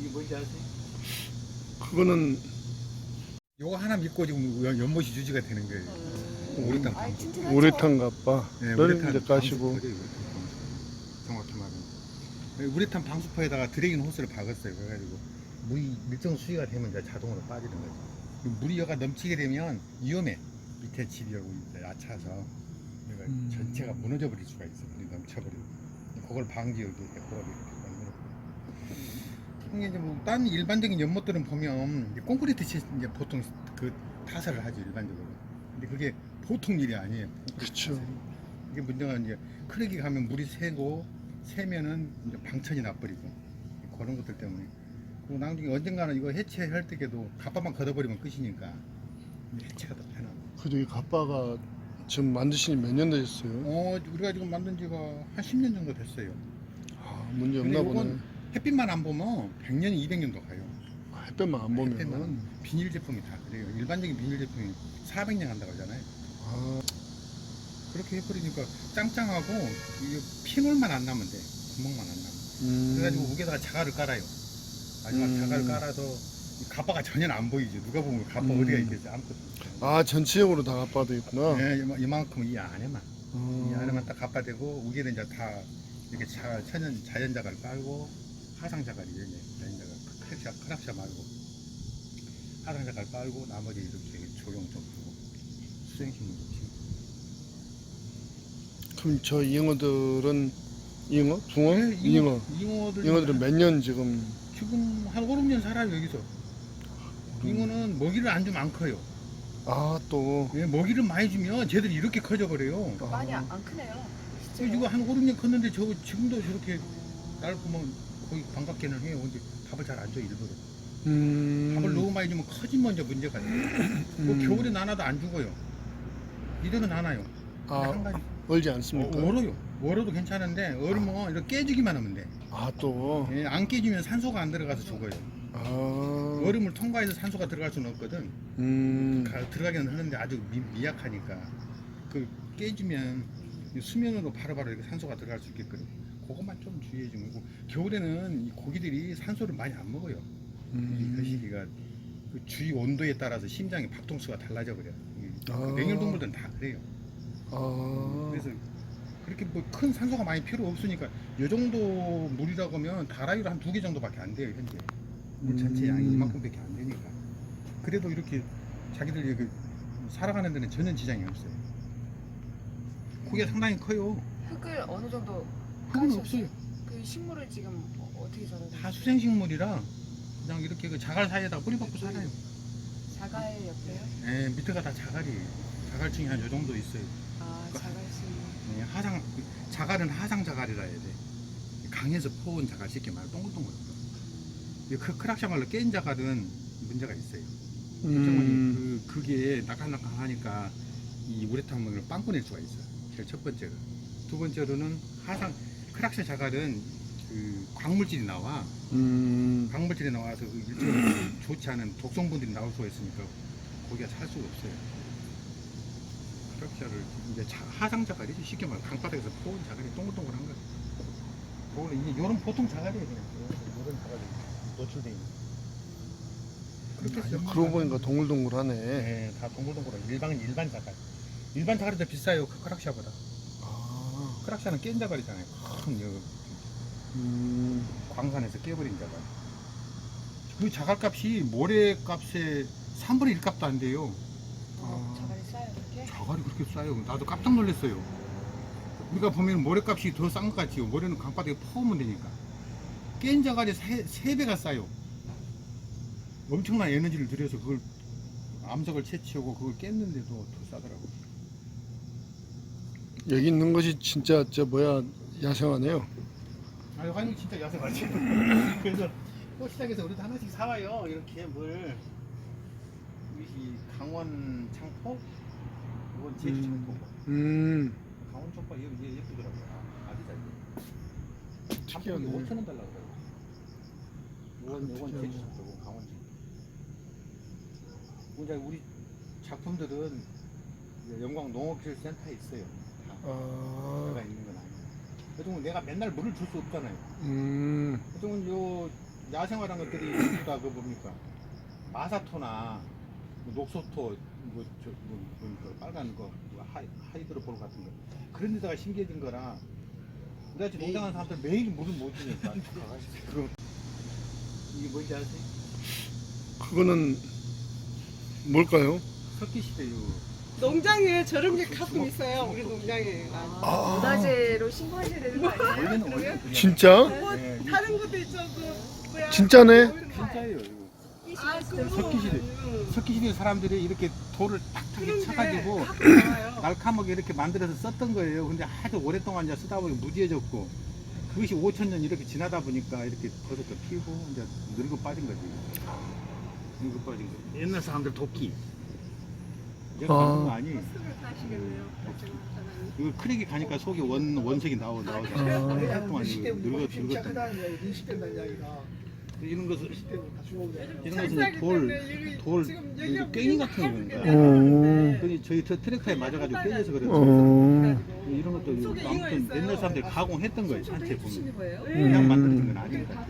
이게 뭔지 아세요? 그거는 요거 하나 믿고 지금 연못이 유지가 되는 거예요. 우레탄 아이, 방수. 튼튼하죠? 우레탄 갑바. 네, 를 우레탄 이제 까시고. 방수포죠, 우레탄 방수. 정확히 말하면. 우레탄 방수포에다가 드레인 호스를 박았어요. 그래가지고 물이 일정 수위가 되면 이제 자동으로 빠지는 거죠. 물이 여가 넘치게 되면 위험해. 밑에 집이 여기 얕아서 그러니까 전체가 무너져 버릴 수가 있어. 물이 넘쳐버리고. 그걸 방지 여기 고라비 이렇게 만들었고. 이게 이제 뭐 딴 일반적인 연못들은 보면 이제 콘크리트 이제 보통 그 타설을 하죠 일반적으로. 근데 그게 보통 일이 아니에요. 그렇죠. 이게 문제가 이제 크랙이 가면 물이 새고 새면은 이제 방천이 나버리고 그런 것들 때문에. 그리고 나중에 언젠가는 이거 해체할 때에도 갑바만 걷어버리면 끝이니까 해체가 더 편하고. 그래도 이 갑바가 지금 만드신 지 몇 년 되셨어요? 우리가 지금 만든 지가 한 10년 정도 됐어요. 아, 문제 근데 없나 보네. 이건 햇빛만 안 보면 100년, 200년도 가요. 햇볕만 안 보면. 햇빛만 비닐 제품이 다 그래요. 일반적인 비닐 제품이 400년 간다고 하잖아요. 아, 그렇게 해버리니까 짱짱하고 이게 핀홀만 안 나면 돼. 구멍만 안 나면. 그래가지고 위에다가 자갈을 깔아요. 마지막 자갈을 깔아서 이 갑바가 전혀 안 보이죠. 누가 보면 갑바 어디가 있겠지. 아무것도 없어요. 아, 전체적으로 다 갑바도 있구나. 네, 이만큼 이 안에만. 이 안에만 딱 갑바되고 위에는 이제 다 이렇게 자연 자갈 깔고 하상 자갈이죠. 이제 자연 자갈 크랍샤 말고 하상 자갈 깔고 나머지 이렇게 조경 좀 두고 수생식물 좀 심고. 그럼 저 잉어들은 잉어? 붕어? 네, 잉어. 잉어들은 몇 년 지금? 지금 한 5, 6년 살아요 여기서. 잉어는 먹이를 안 주면 안 커요. 아, 또. 예, 먹이를 많이 주면 쟤들이 이렇게 커져 버려요. 많이 안 크네요. 그 이거 한 5, 6년 컸는데 저거 지금도 저렇게 날 보면 거의 반갑게는 해요. 근데 밥을 잘 안 줘 일부러. 밥을 너무 많이 주면 커지면 이제 문제가 돼요. 뭐 겨울에 나나도 안 죽어요. 이들은 안 와요. 아, 한 가지. 얼지 않습니까? 얼어요. 얼어도 괜찮은데 얼으면 이렇게 깨지기만 하면 돼. 아, 또. 예, 안 깨지면 산소가 안 들어가서 죽어요. 아. 얼음을 통과해서 산소가 들어갈 수는 없거든. 들어가기는 하는데 아주 미약하니까 그 깨지면 수면으로 바로바로 이렇게 산소가 들어갈 수 있게끔 그것만 좀 주의해 주면 되고. 겨울에는 이 고기들이 산소를 많이 안 먹어요. 이 거시기가 그 주위 온도에 따라서 심장의 박동수가 달라져 버려. 맹혈동물들은 다 그래요. 아. 그래서 그렇게 뭐 큰 산소가 많이 필요 없으니까 이 정도 물이라고 하면 다라이로 한 2개 정도밖에 안 돼요 현재. 물 전체 양이 이만큼밖에 안 되니까. 그래도 이렇게 자기들 그 살아가는 데는 전혀 지장이 없어요. 고기가 상당히 커요. 흙을 어느 정도 흙은 까셨어요? 없어요. 그 식물을 지금 어떻게 자라요? 다 수생식물이라 그냥 이렇게 그 자갈 사이에다 뿌리 박고 살아요. 자갈 옆에요? 예, 밑에가 다 자갈이에요. 자갈층이 한 요 정도 있어요. 아, 자갈씨. 예, 자갈은 하상 자갈이라 해야 돼. 강에서 퍼온 자갈 쉽게 말해 동글동글한 거. 이 크락샤 말로 깬 자갈은 문제가 있어요. 그게 나캉나캉하니까 이 우레탄을 빵꾸 낼 수가 있어요. 제일 첫 번째가. 두 번째로는 크락샤 자갈은 그 광물질이 나와. 광물질이 나와서 그 일종의 좋지 않은 독성분들이 나올 수가 있으니까 고기가 살 수가 없어요. 크락샤를 이제 하상 자갈이죠. 쉽게 말해 강바닥에서 퍼온 자갈이 동글동글한 거. 그거는 이제 요런 보통 자갈이에요. 그냥 요런 자갈이 노출돼 있는. 그렇게 해서 그러고 보니까 동글동글하네. 네, 다 동글동글한 일반 자갈. 일반 자갈이 더 비싸요. 크락샤보다. 아. 크락샤는 깬 자갈이잖아요. 큰 광산에서 깨버린 자갈. 그 자갈 값이 모래 값의 3분의 1 값도 안 돼요. 자갈이 싸요, 그렇게? 자갈이 그렇게 싸요. 나도 깜짝 놀랐어요. 우리가 보면 모래 값이 더 싼 것 같지요. 모래는 강바닥에 퍼오면 되니까. 깬 자갈이 3배가 싸요. 엄청난 에너지를 들여서 그걸 암석을 채취하고 그걸 깼는데도 더 싸더라고요. 여기 있는 것이 진짜 야생하네요. 아니 진짜 야생하지. 그래서 꽃시장에서 우리도 하나씩 사와요. 이렇게 물. 이 강원 창포, 이건 제주 창포. 강원 창포 얘 예쁘더라고요. 아기자기. 특이하네. 5,000원 달라고 그래요. 이건 제주 창포고 강원 창포. 이제 우리 작품들은 이제 영광 농업기술센터에 있어요. 내가 있는 건 아니에요. 그래도 내가 맨날 물을 줄 수 없잖아요. 그래도 야생화란 것들이 전부 다 그 뭡니까 마사토나 녹소토 그 빨간 거 하이드로볼 같은 거 그런 데다가 심겨진 거라 우리가 지금 농장하는 사람들 매일 물을 못 주니까 그럼 이게 뭔지 아세요? 그거는 뭘까요? 석기시대요. 농장에 저런 게 가끔 있어요. 우리 농장에. 아. 문화재로 신고하셔야 되는 거 아니에요? 원래는 그냥 진짜? 뭐 네, 다른 것도 있죠. 그 뭐야? 진짜네? 진짜예요 이거. 아, 그거. 석기시대. 석기시대 사람들이 이렇게 돌을 탁탁 쳐가지고 가끔 나와요. 날카롭게 이렇게 만들어서 썼던 거예요. 근데 아주 오랫동안 이제 쓰다 보니 무디해졌고 그것이 5,000년 이렇게 지나다 보니까 이렇게 버섯도 피고 이제 늙어 빠진 거지. 늙어 빠진 거. 옛날 사람들 도끼. 내가 만든 거 아니. 술을 타시겠네요. 이거 크랙이 가니까 속에 원색이 나오고 아. 오랫동안 이거 늙었던 시작하다는 이야기, 인식된다는 이야기가 이런 것을 시대부터 주먹이 이런 것은 찰싹이 때문에 돌 지금 이거 여기가 깽이 같은 게 건가? 오. 그니 저희 트랙터에 맞아가지고 깨져서 그랬죠. 어. 이런 것도 속에 잉어 아무튼 있어요. 옛날 사람들이 가공했던 거예요. 산채 보면 해주시는 거예요? 그냥 만들어진 건 아니니까.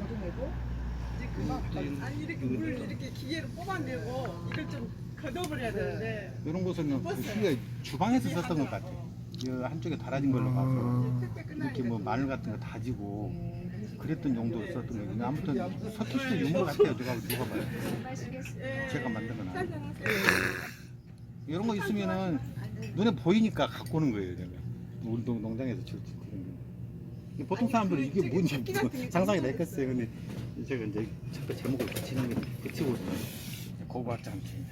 아니 이렇게 물 이렇게 기계로 뽑아내고 이걸 좀 걷어버려야 되는데 이런 것은 그 시기가 주방에서 썼던 것 같아. 이 한쪽에 달아진 걸로 봐서 택배 끝나니까 이렇게 뭐 마늘 같은 거 다지고 그랬던 용도로 썼던 거예요. 아무튼 석기시대 유물 같아요. 누가 봐요. 제가 만든 건 아니에요. 짠짠하세요. 이런 거 있으면은 눈에 보이니까 갖고 오는 거예요. 제가 우리 농장에서 그런 거. 보통 사람들은 이게 뭔지 상상이 됐겠어요. 근데 제가 이제 자꾸 제목을 붙이고 고고학자한테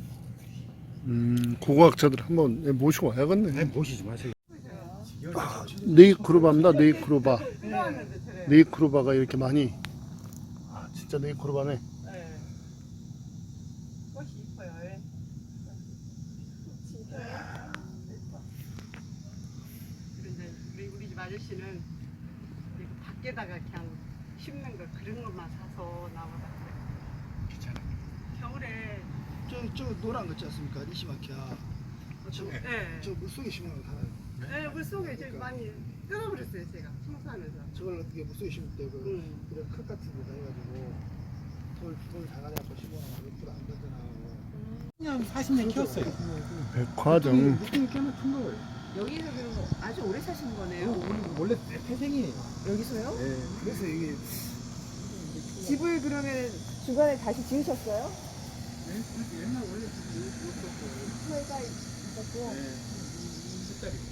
고고학자들 한번 모시고 와야겠네. 모시지 마세요. 네이크로바입니다. 네이크로바. 필요하는데 저래. 네이크로바가 이렇게 많이. 아 진짜 네이크로바네. 네. 꽃이 이뻐요. 예. 진짜 예뻐. 그리고 이제 우리 집 아저씨는 이렇게 밖에다가 그냥 심는 거 그런 것만 사서 나와서 귀찮아. 겨울에 저 노란 거 있지 않습니까? 니시마키야. 네. 저 물속에 심은 거 하나. 네, 물속에 제일 많이 뜯어버렸어요 제가 청소하면서. 저걸 어떻게 물속에 심을 때 그 응. 그런 흙 같은 데다 해가지고 돌 작아져서 심어놔 옆으로 안 던져나가고. 10년 40년 키웠어요. 백화점. 느낌이 꽤나 큰 거예요. 여기서 그럼 아주 오래 사신 거네요? 원래 태생이에요. 여기서요? 네. 그래서 이게 집을 그러면 중간에 다시 지으셨어요? 옛날 원래 저희가 있었고